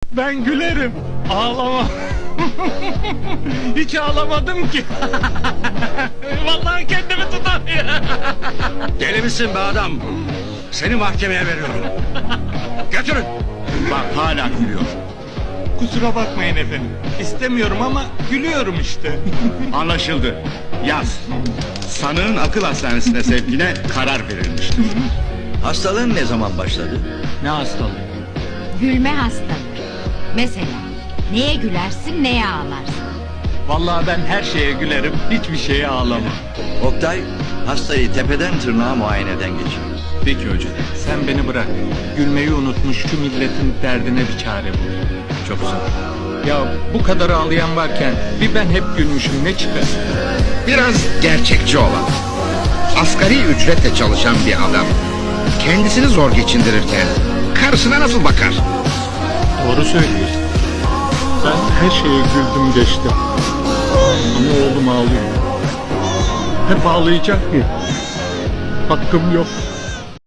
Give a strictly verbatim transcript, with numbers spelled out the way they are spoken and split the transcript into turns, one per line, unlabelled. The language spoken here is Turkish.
Ben gülerim, ağlamam. Hiç ağlamadım ki. Vallahi kendimi tutamıyorum.
Deli misin be adam? Seni mahkemeye veriyorum. Götürün. Bak hala gülüyor.
Kusura bakmayın efendim. İstemiyorum ama gülüyorum işte.
Anlaşıldı. Yaz. Sanığın akıl hastanesine sevkine karar verilmiştir.
Hastalığın ne zaman başladı?
Ne hastalığı?
Gülme hastalığı. Mesela neye gülersin, neye ağlarsın?
Vallahi ben her şeye gülerim, hiçbir şeye ağlamam.
Oktay, hastayı tepeden tırnağa muayeneden geçir.
Peki hocam.
Sen beni bırak. Gülmeyi unutmuş şu milletin derdine bir çare bul.
Çok güzel.
Ya bu kadar ağlayan varken bir ben hep gülmüşüm, ne çıkar?
Biraz gerçekçi olan, asgari ücretle çalışan bir adam kendisini zor geçindirirken karısına nasıl bakar?
Doğru söylüyorsun. Ben her şeye güldüm geçtim. Ama oğlum ağlıyor. Hep ağlayacak mı? Hakkım yok.